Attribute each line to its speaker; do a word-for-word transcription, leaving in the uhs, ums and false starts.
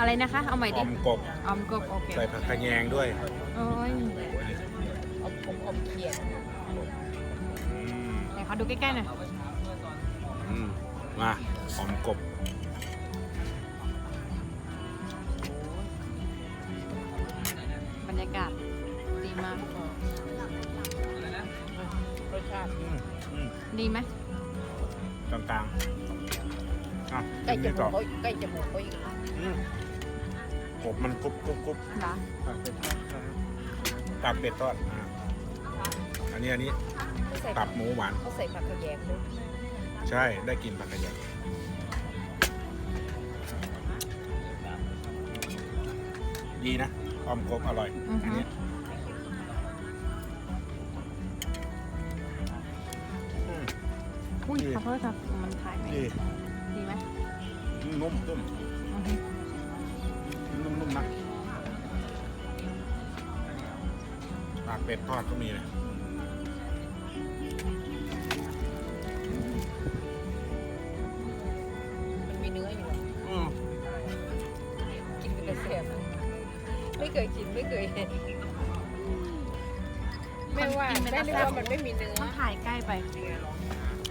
Speaker 1: อะไรนะคะ เอาใหม่
Speaker 2: อ
Speaker 1: ดิ
Speaker 2: อมกบ
Speaker 1: ออมกบโอเค
Speaker 2: ใส่ผักขะแยงด้วย
Speaker 1: โอ้ย
Speaker 3: อมกบอมเขียด
Speaker 2: อืม
Speaker 1: ไหนขอดูใกล้ๆหน่อย
Speaker 2: อืมมาออมกบ
Speaker 1: บรรยากาศดีมาก
Speaker 3: รสชาติ
Speaker 2: อืมอืม
Speaker 1: ดีไหม
Speaker 2: กลางๆอ่ะ
Speaker 3: ใกล้จ
Speaker 2: นี่
Speaker 3: มู
Speaker 2: ต่อก
Speaker 3: เขาใกล้จมูกเขาอีก
Speaker 2: อืมกบมันกรุบกรุบกรุบ
Speaker 1: เหรอ
Speaker 2: ตับเป็ดทอดอ่าอันนี้อันนี้
Speaker 3: เขาใส่
Speaker 2: ตับหมูหวาน
Speaker 3: เขาใส่ผักกระแยงด้วย
Speaker 2: ใช่ได้กินผักกระเทียมดีนะออมกบอร่อย
Speaker 1: อือ
Speaker 2: อัน
Speaker 1: ฮึ
Speaker 2: นี้อืม
Speaker 1: อุ้ย
Speaker 2: ดี
Speaker 1: ขอโทษครับมันถ่ายไหม
Speaker 2: ดี
Speaker 1: ดีไหม
Speaker 2: นุ่มนุ่ม
Speaker 1: อือฮึ
Speaker 2: นุ่มนุ่มนะปากเป็ดทอดก็มีเลย
Speaker 3: มันมีเนื้ออยู่
Speaker 2: อืม
Speaker 3: กินเป็นกระเสียบไม่เคยกินไม่เคยเห็นไม่ว่าไม่รู้ว่ามันไม่มีเนื้อ
Speaker 1: ต้องถ่ายใกล้ไป